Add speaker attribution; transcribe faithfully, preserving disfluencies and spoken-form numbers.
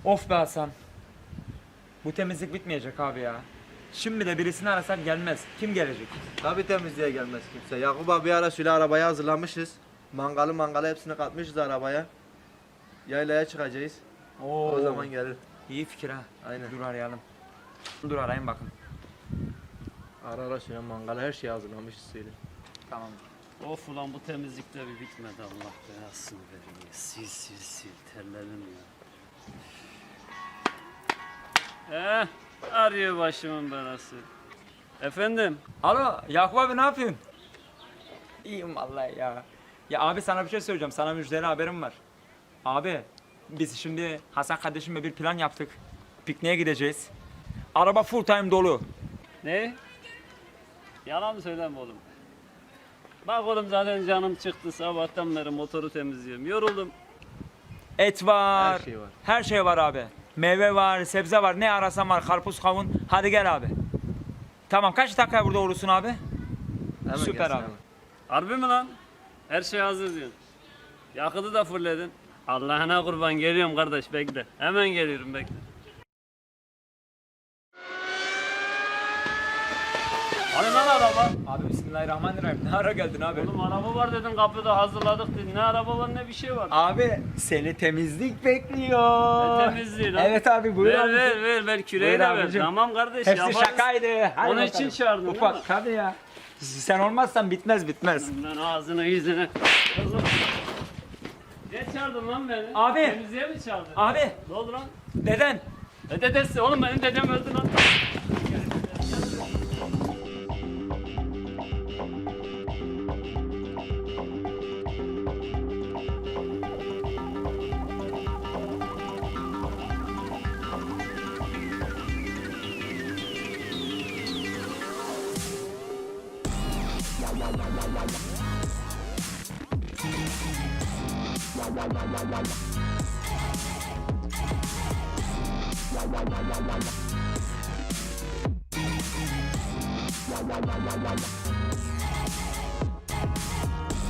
Speaker 1: Of be Hasan. Bu temizlik bitmeyecek abi ya. Şimdi de birisini arasak gelmez. Kim gelecek?
Speaker 2: Tabii temizliğe gelmez kimse. Yakup abi ara şöyle arabayı hazırlamışız. Mangalı mangalı hepsini katmışız arabaya. Yaylaya çıkacağız.
Speaker 1: Oo.
Speaker 2: O zaman gelir.
Speaker 1: İyi fikir ha.
Speaker 2: Aynen.
Speaker 1: Dur arayalım. Dur arayayım bakın.
Speaker 2: Ara ara şöyle mangalı her şeyi hazırlamışız söyle.
Speaker 1: Tamam.
Speaker 3: Of ulan bu temizlikte bir bitmedi, Allah belasını veriyor. Sil sil sil terlerim ya. Eh, arıyor başımın belası. Efendim?
Speaker 1: Alo Yakup abi ne yapıyorsun? İyiyim vallahi ya. Ya abi sana bir şey söyleyeceğim. Sana müjdeli haberim var. Abi biz şimdi Hasan kardeşimle bir plan yaptık. Pikniğe gideceğiz. Araba full time dolu.
Speaker 3: Ne? Yalan mı söyleme oğlum? Bak oğlum zaten canım çıktı, sabahtan beri motoru temizliyorum. Yoruldum.
Speaker 1: Et var.
Speaker 2: Her şey var.
Speaker 1: Her şey var abi. Meyve var, sebze var. Ne arasan var. Karpuz, kavun. Hadi gel abi. Tamam kaç dakika burada olursun abi?
Speaker 2: Hemen
Speaker 1: Süper
Speaker 2: gelsin
Speaker 1: abi.
Speaker 2: hemen.
Speaker 3: Harbi mi lan? Her şey hazır diyorsun. Yakıtı da fırladın. Allah'ına kurban, geliyorum kardeş, bekle. Hemen geliyorum, bekle. Hani lan araba?
Speaker 1: Abi bismillahirrahmanirrahim. Ne ara geldin abi?
Speaker 3: Oğlum araba var dedin, kapıda hazırladık dedin. Ne araba var ne bir şey var.
Speaker 1: Abi seni temizlik bekliyor.
Speaker 3: Ne temizliği lan?
Speaker 1: Evet abi buyur
Speaker 3: ver,
Speaker 1: abi.
Speaker 3: ver ver ver küreği
Speaker 1: Buyur
Speaker 3: de ver.
Speaker 1: abicim.
Speaker 3: Tamam kardeş,
Speaker 1: Hepsi
Speaker 3: yaparız.
Speaker 1: şakaydı. Hadi
Speaker 3: Onun
Speaker 1: bakalım.
Speaker 3: için çağırdın değil mi?
Speaker 1: Ufak tabii ya. Sen olmazsan bitmez bitmez.
Speaker 3: Lan ağzını yüzünü. Kızım. Ne çağırdın lan beni?
Speaker 1: Abi.
Speaker 3: Temizliğe mi çağırdın?
Speaker 1: Abi
Speaker 3: Ne oldu lan?
Speaker 1: deden.
Speaker 3: Ne dedesi? Oğlum benim dedem öldü lan.
Speaker 4: La la la la la